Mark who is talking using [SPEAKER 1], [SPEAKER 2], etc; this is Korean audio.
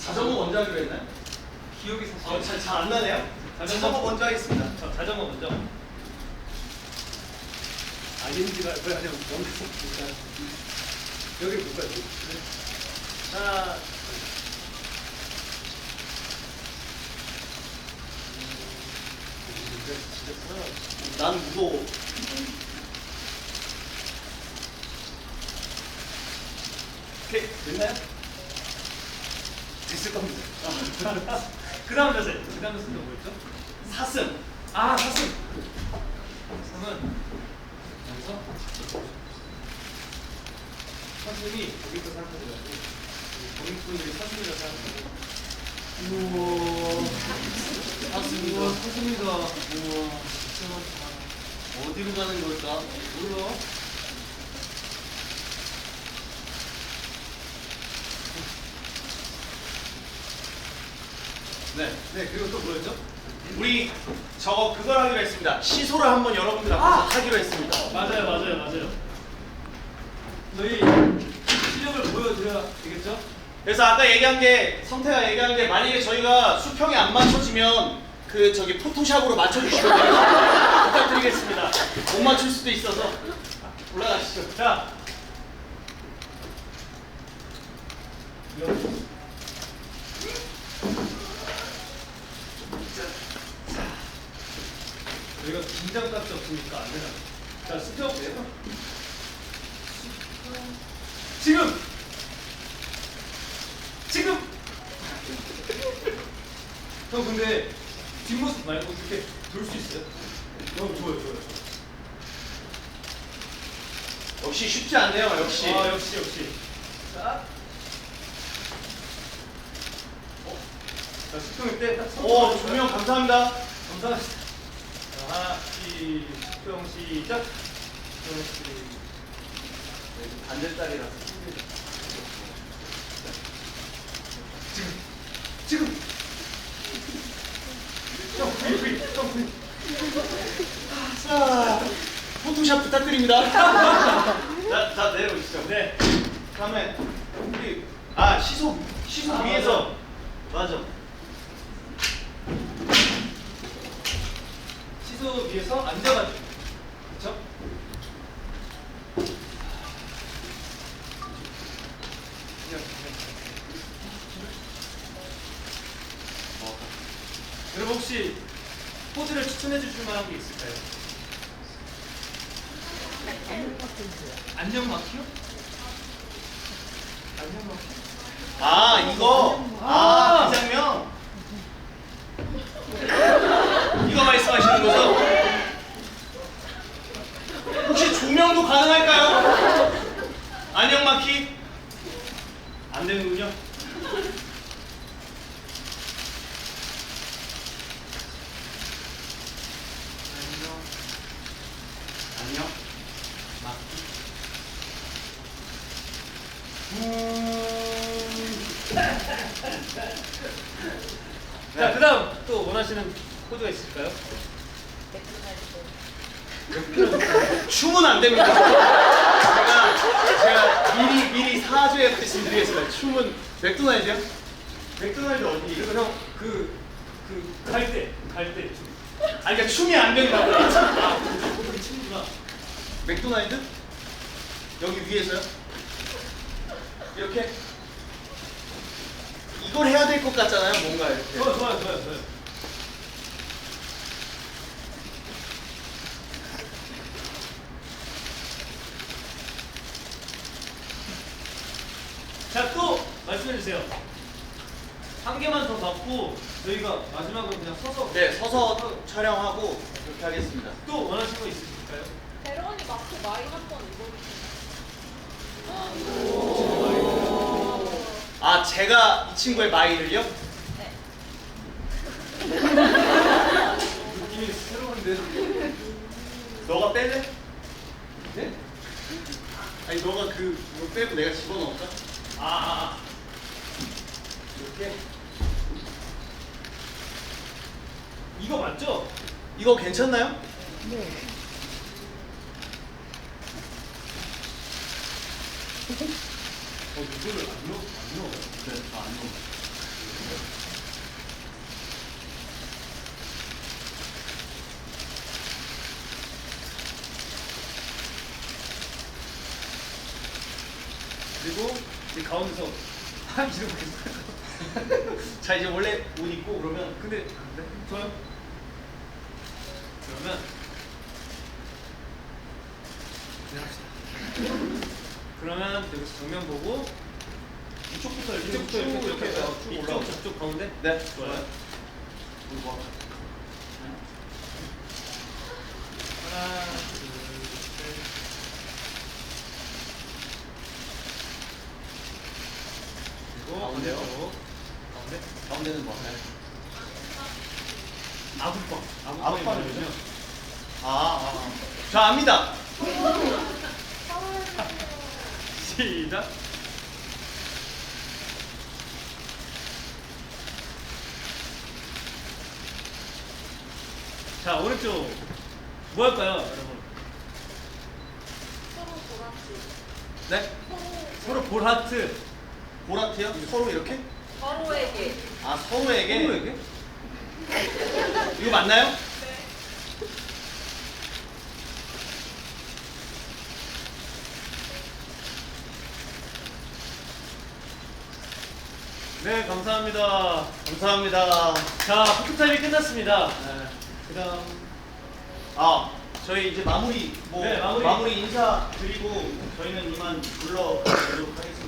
[SPEAKER 1] 자전거 먼저 하기로 했나요?
[SPEAKER 2] 기억이 사실
[SPEAKER 1] 잘 안 나네요? 자전거 먼저 하겠습니다.
[SPEAKER 2] 자전거 먼저.
[SPEAKER 1] ING가 뭐야? 그냥 여기 볼까요? 자, 난 무서워. 오케이, 됐나요? 됐을 겁니다.
[SPEAKER 2] 그 다음 자세. 그 다음 자세는 뭐였죠?
[SPEAKER 1] 사슴.
[SPEAKER 2] 아, 사슴. 사슴은 여기서 사슴이 여기서 생각하더라고. 본인분들이 사슴이라 생각하고.
[SPEAKER 1] 우와. 사슴이다.
[SPEAKER 2] 우와, 사슴이다.
[SPEAKER 1] 우와.
[SPEAKER 2] 진짜 많다.
[SPEAKER 1] 어디로 가는 걸까?
[SPEAKER 2] 몰라.
[SPEAKER 1] 네,
[SPEAKER 2] 그리고 또 뭐였죠?
[SPEAKER 1] 우리 저거 그걸 하기로 했습니다. 시소를 한번 여러분들 앞에서 하기로 했습니다.
[SPEAKER 2] 맞아요. 저희 실력을 보여드려야 되겠죠?
[SPEAKER 1] 그래서 아까 얘기한 게 성태가 얘기한 게 만약에 저희가 수평이 안 맞춰지면 그 저기 포토샵으로 맞춰주시면 부탁드리겠습니다. 못 맞출 수도 있어서 올라가시죠.
[SPEAKER 2] 자, 저희가 긴장감이 없으니까 안 되나? 자, 수평. 지금. 형 근데 뒷모습 말고 이렇게 돌 수 있어요? 좋아요.
[SPEAKER 1] 역시 쉽지 않네요. 역시.
[SPEAKER 2] 아, 역시. 자. 자, 수평일 때 딱.
[SPEAKER 1] 오, 조명 감사합니다.
[SPEAKER 2] 감사합니다. 자, 하나, 수평 시작.
[SPEAKER 1] 반대딸이라서.
[SPEAKER 2] 지금. 형, V.
[SPEAKER 1] 자, 포토샵 부탁드립니다. 자, 내려오시죠.
[SPEAKER 2] 네.
[SPEAKER 1] 다음에 우리 시소 위에서 맞아.
[SPEAKER 2] 시소 위에서 앉아가지고. 그쵸? 여러분 혹시 포즈를 추천해 주실 만한 게 있을까요? 안녕 마키요? 안녕 마키.
[SPEAKER 1] 이거 그 장면. 이거 말씀하시는 거죠? 혹시 조명도 가능할까요? 안녕 마키. 안 되는군요. 안녕 마키.
[SPEAKER 2] 자, 그 다음 또 원하시는 포즈가 있을까요?
[SPEAKER 1] 춤은 안 됩니다. 제가 미리 사죄 말씀드리겠습니다. 춤은 맥도날드요? 맥도날드 어디?
[SPEAKER 2] 그리고 형, 갈 때 춤.
[SPEAKER 1] 그러니까 춤이 안 된다고.
[SPEAKER 2] 거기 춤이구나.
[SPEAKER 1] 맥도날드? 여기 위에서요? 이렇게? 이걸 해야 될 것 같잖아요, 뭔가 이렇게.
[SPEAKER 2] 좋아요. 자, 또 말씀해 주세요. 한 개만 더 받고 저희가 마지막으로 그냥 서서.
[SPEAKER 1] 네, 서서 촬영하고 그렇게 하겠습니다.
[SPEAKER 2] 또 원하시는 거 있으실까요?
[SPEAKER 3] 베로니 마크 마이 한번 입어주세요.
[SPEAKER 1] 제가 이 친구의 마이를요?
[SPEAKER 3] 네.
[SPEAKER 2] 느낌이 새로운데.
[SPEAKER 1] 너가 뺄래? 네? 아니, 너가 이거 빼고 내가 집어넣을까? 이렇게?
[SPEAKER 2] 이거 맞죠?
[SPEAKER 1] 이거 괜찮나요?
[SPEAKER 3] 네.
[SPEAKER 1] 이거를 안 넣어요? 네, 안 넣어요.
[SPEAKER 2] 그리고 이제 가운데서 이러고 계세요.
[SPEAKER 1] 자 이제 원래 옷 입고 그러면
[SPEAKER 2] 근데 좋아요. 그러면 그러면 여기서 정면 보고
[SPEAKER 1] 이쪽부터 이렇게
[SPEAKER 2] 이쪽부터 이렇게
[SPEAKER 1] 쭉
[SPEAKER 2] 이쪽
[SPEAKER 1] 올라오고.
[SPEAKER 2] 저쪽 가운데.
[SPEAKER 1] 네
[SPEAKER 2] 좋아요.
[SPEAKER 1] 뭐.
[SPEAKER 2] 하나, 둘, 셋. 그리고
[SPEAKER 1] 가운데요?
[SPEAKER 2] 반대쪽. 가운데.
[SPEAKER 1] 가운데는 뭐?
[SPEAKER 2] 아구빵.
[SPEAKER 1] 아구빵이
[SPEAKER 2] 뭐냐면요.
[SPEAKER 1] 뭐죠? 저 압니다.
[SPEAKER 2] 시작. 자, 오른쪽 뭐 할까요, 여러분?
[SPEAKER 3] 서로 보라지.
[SPEAKER 1] 네?
[SPEAKER 2] 서로 볼 하트.
[SPEAKER 1] 보라트요? 서로 이렇게?
[SPEAKER 3] 서로에게.
[SPEAKER 1] 아 서로에게?
[SPEAKER 2] 서로에게?
[SPEAKER 1] 이거 맞나요?
[SPEAKER 3] 네.
[SPEAKER 2] 네, 감사합니다.
[SPEAKER 1] 감사합니다.
[SPEAKER 2] 자, 포토타임이 끝났습니다.
[SPEAKER 1] 네.
[SPEAKER 2] 그다음
[SPEAKER 1] 저희 이제 마무리
[SPEAKER 2] 네, 마무리.
[SPEAKER 1] 인사 드리고 저희는 이만 불러드리도록 하겠습니다.